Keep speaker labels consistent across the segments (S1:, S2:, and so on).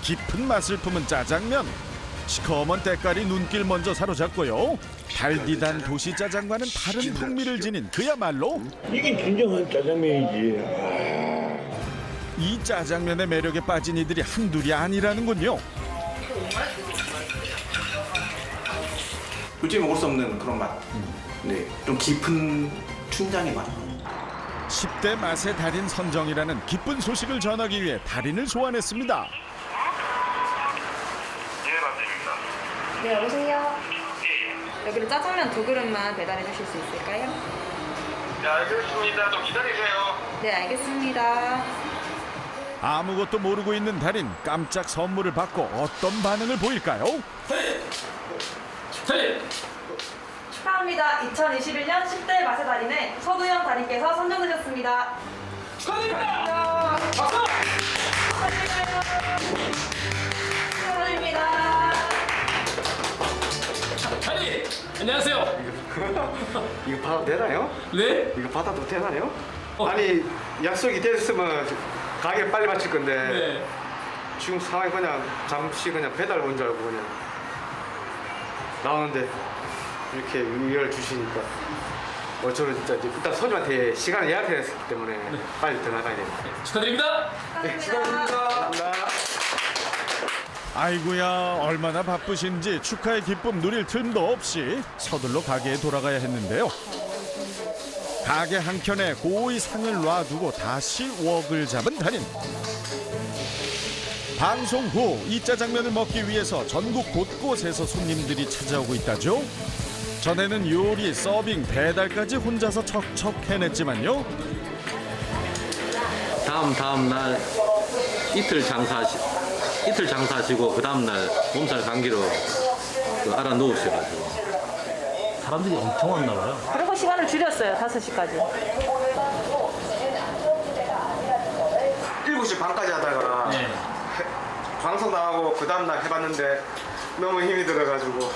S1: 깊은 맛을 품은 짜장면. 시커먼 때깔이 눈길 먼저 사로잡고요. 달디단 도시 짜장과는 다른 풍미를 지닌 그야말로
S2: 이게 진정한 짜장면이지.
S1: 이 짜장면의 매력에 빠진 이들이 한둘이 아니라는군요.
S3: 도저히 먹을 수 없는 그런 맛. 네, 좀 깊은 춘장의 맛.
S1: 10대 맛의 달인 선정이라는 기쁜 소식을 전하기 위해 달인을 소환했습니다.
S4: 네, 여보세요? 여기로 짜장면 2그릇만 배달해 주실 수 있을까요?
S5: 네, 알겠습니다. 좀 기다리세요.
S4: 네, 알겠습니다.
S1: 아무것도 모르고 있는 달인, 깜짝 선물을 받고 어떤 반응을 보일까요?
S4: 축하합니다. 2021년 10대 맛의 달인에 서두현 달인께서 선정되셨습니다. 축하드립니다. 박수! 축하드립니다.
S6: 달인! 안녕하세요.
S7: 이거 받아도 되나요?
S6: 네?
S7: 이거 받아도 되나요? 아니 약속이 됐으면 가게 빨리 마칠 건데
S6: 네.
S7: 지금 상황이 그냥 잠시 그냥 배달 온 줄 알고 그냥 나오는데 이렇게 위를 주시니까 저는 진짜 이제 일단 손님한테 시간을 예약했기 때문에 빨리 들어가야 됩니다.
S6: 축하드립니다.
S7: 네, 감사합니다.
S1: 아이고야, 얼마나 바쁘신지 축하의 기쁨 누릴 틈도 없이 서둘러 가게에 돌아가야 했는데요. 가게 한켠에 고이 상을 놔두고 다시 웍을 잡은 달인. 방송 후 이 짜장면을 먹기 위해서 전국 곳곳에서 손님들이 찾아오고 있다죠. 전에는 요리, 서빙, 배달까지 혼자서 척척 해냈지만요.
S8: 다음 날 이틀 장사하시고 그 다음 날 몸살 감기로 알아 누우셔가지고
S6: 사람들이 엄청 왔나 봐요.
S4: 그리고 시간을 줄였어요. 5시까지.
S7: 7시 반까지 하다가
S6: 네.
S7: 방송 나가고 그 다음날 해봤는데 너무 힘이 들어가지고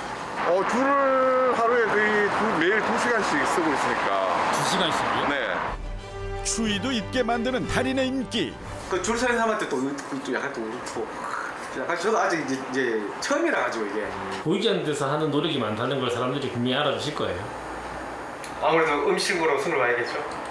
S9: 줄을 하루에 거의 매일 2시간씩 쓰고 있으니까.
S6: 2시간씩이요?
S9: 네.
S1: 추위도 잊게 만드는 달인의 인기.
S7: 그 줄 서는 사람한테 또 약간 또 울고 약간 저도 아직 이제 처음이라 가지고 이게
S6: 보이지 않는 데서 하는 노력이 많다는 걸 사람들이 분명히 알아주실 거예요.
S7: 아무래도 음식으로 손을 봐야겠죠.